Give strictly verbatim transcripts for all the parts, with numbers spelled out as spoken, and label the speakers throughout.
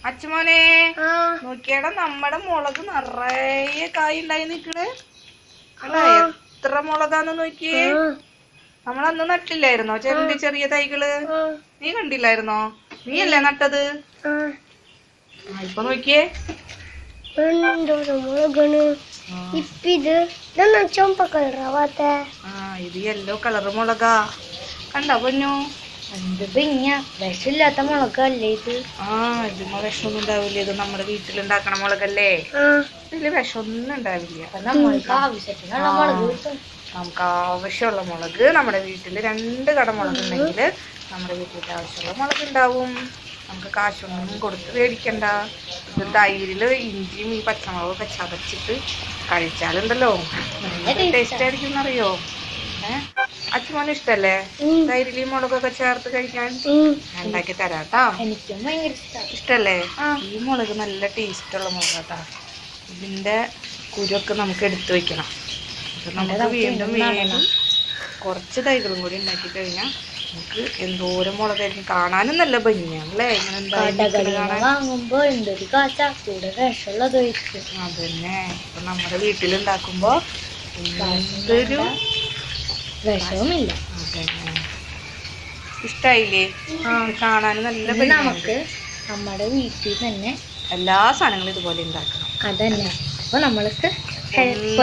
Speaker 1: അച്ഛമോനെ നോക്കിയാടാ നമ്മടെ മുളക് നിറയെ കായ് ഉണ്ടായി നിക്കണ്. എത്ര മുളകാന്ന് നോക്കിയേ. നമ്മളന്ന് നട്ടില്ലായിരുന്നോ ചെറിയ ചെറിയ തൈകള്? നീ കണ്ടില്ലായിരുന്നോ? നീ അല്ലേ നട്ടത്? ഇപ്പൊ നോക്കിയേ ഇത് യെല്ലോ കളറ് മുളകാ. കണ്ടോ പൊന്നു?
Speaker 2: വിഷമില്ലാത്ത മുളകല്ലേ ഇത്?
Speaker 1: ആ ഇതിമ്മ വിഷമൊന്നും ഉണ്ടാവില്ല. ഇത് നമ്മുടെ വീട്ടിലുണ്ടാക്കണ മുളകല്ലേ. ഇതില് വിഷമൊന്നും ഉണ്ടാവില്ല.
Speaker 2: നമ്മൾക്ക് ആവശ്യത്തിനുള്ള മുളക് കിട്ടും.
Speaker 1: നമുക്ക് ആവശ്യമുള്ള മുളക് നമ്മുടെ വീട്ടില് രണ്ട് കട മുളക് ഉണ്ടെങ്കിൽ നമ്മുടെ വീട്ടിൽ ആവശ്യമുള്ള മുളക് ഉണ്ടാവും. നമുക്ക് കാശൊന്നും കൊടുത്ത് മേടിക്കണ്ട. ഇത് തൈരില് ഇഞ്ചിയും ഈ പച്ചമുളകൊക്കെ ചതച്ചിട്ട് കഴിച്ചാലുണ്ടല്ലോ നല്ല ടേസ്റ്റ് ആയിരിക്കും എന്നറിയോ. ഏഹ് അച്ഛമോന് ഇഷ്ടല്ലേ തൈരില് മുളകൊക്കെ ചേർത്ത് കഴിക്കാൻ? ഞാൻ ഉണ്ടാക്കി തരാട്ടാ.
Speaker 2: എനിക്കും ഭയങ്കര ഇഷ്ടം.
Speaker 1: ഇഷ്ടല്ലേ? ഈ മുളക് നല്ല ടേസ്റ്റുള്ള മുളകാട്ടാ. ഇതിന്റെ കുരുവൊക്കെ നമുക്ക് എടുത്തു വെക്കണം. നമുക്ക് വീണ്ടും വീണ്ടും കുറച്ച് തൈകളും കൂടി ഉണ്ടാക്കി കഴിഞ്ഞാൽ നമുക്ക് എന്തോരം മുളകായിരിക്കും. കാണാനും നല്ല ഭംഗിയാണല്ലേ ഇങ്ങനെ
Speaker 2: വാങ്ങുമ്പോ എന്തൊരു കാശാ കൂടെ വിഷമുള്ളത്.
Speaker 1: അതന്നെ ഇപ്പൊ നമ്മുടെ വീട്ടിലുണ്ടാക്കുമ്പോ എന്തൊരു
Speaker 2: വിഷവുമില്ല.
Speaker 1: അതന്നെ ഇഷ്ടായില്ലേ? കാണാനും നല്ല ഭംഗി.
Speaker 2: നമുക്ക് നമ്മുടെ വീട്ടിൽ തന്നെ
Speaker 1: എല്ലാ സാധനങ്ങളും ഇതുപോലെ ഉണ്ടാക്കണം.
Speaker 2: അതന്നെ അപ്പൊ നമ്മൾക്ക്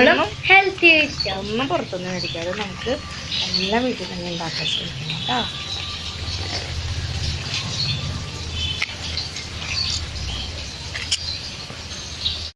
Speaker 2: ഹെൽത്തി ആയിരിക്കാം.
Speaker 1: ഒന്നും പുറത്തൊന്നും മേടിക്കാതെ നമുക്ക് എല്ലാം വീട്ടിൽ തന്നെ ഉണ്ടാക്കാൻ ശ്രമിക്കണം കേട്ടോ.